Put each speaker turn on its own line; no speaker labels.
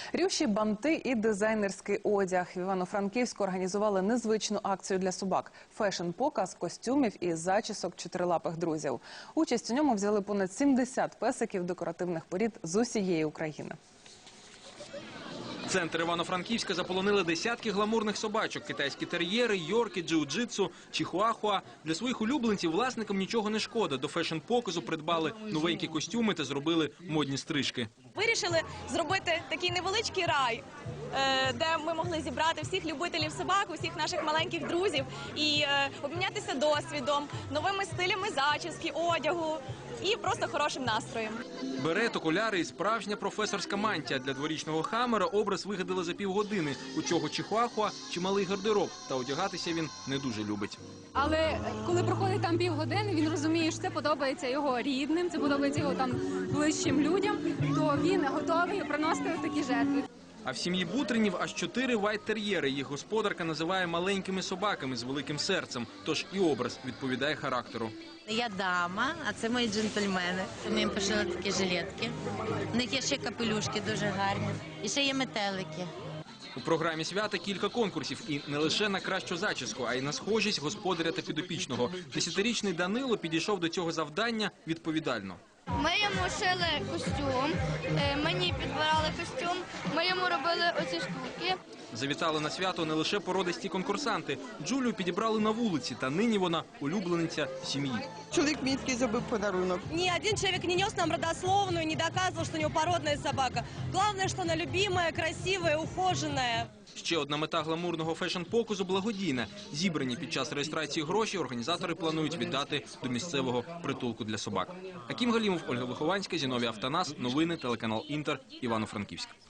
Рюші, банти і дизайнерський одяг. В Івано-Франківську організували незвичну акцію для собак – фешн-показ костюмів і зачісок чотирилапих друзів. Участь у ньому взяли понад 70 песиків декоративних порід з усієї України.
Центр Івано-Франківська заполонили десятки гламурних собачок – китайські тер'єри, йорки, джиу-джитсу, чихуахуа. Для своїх улюбленців власникам нічого не шкода. До фешн-показу придбали новенькі костюми та зробили модні стрижки.
Вирішили зробити такий невеличкий рай, де ми могли зібрати всіх любителів собак, усіх наших маленьких друзів і обмінятися досвідом, новими стилями зачіски, одягу і просто хорошим настроєм.
Берет, окуляри і справжня професорська мантія. Для дворічного Хаммера образ вигадали за півгодини. У цього чихуахуа чималий гардероб, та одягатися він не дуже любить.
Але коли проходить там півгодини, він розуміє, що це подобається його рідним, це подобається його там ближчим людям, то він готовий приносити такі жертви.
А в сім'ї Бутринів аж 4 вайт-тер'єри. Їх господарка називає маленькими собаками з великим серцем. Тож і образ відповідає характеру.
Я дама, а це мої джентльмени. Ми їм пошили такі жилетки. У них є ще капелюшки дуже гарні. І ще є метелики.
У програмі свята кілька конкурсів. І не лише на кращу зачіску, а й на схожість господаря та підопічного. 10-річний Данило підійшов до цього завдання відповідально.
Ми йому шили костюм, мені підбирали костюм, ми йому робили оці штуки.
Завітали на свято не лише породисті конкурсанти. Джулію підібрали на вулиці, та нині вона улюблениця сім'ї.
Чоловік мені такий зробив подарунок.
Ни один человек не нес нам родословную, не доказывал, что у него породная собака. Главное, что она любимая, красивая, ухоженная.
Ще одна мета гламурного фешн-показу – благодійна. Зібрані під час реєстрації гроші організатори планують віддати до місцевого притулку для собак. Акім Галімов, Ольга Вихованська, Зіновій Автонас. Новини, телеканал Інтер, Івано-Франківськ.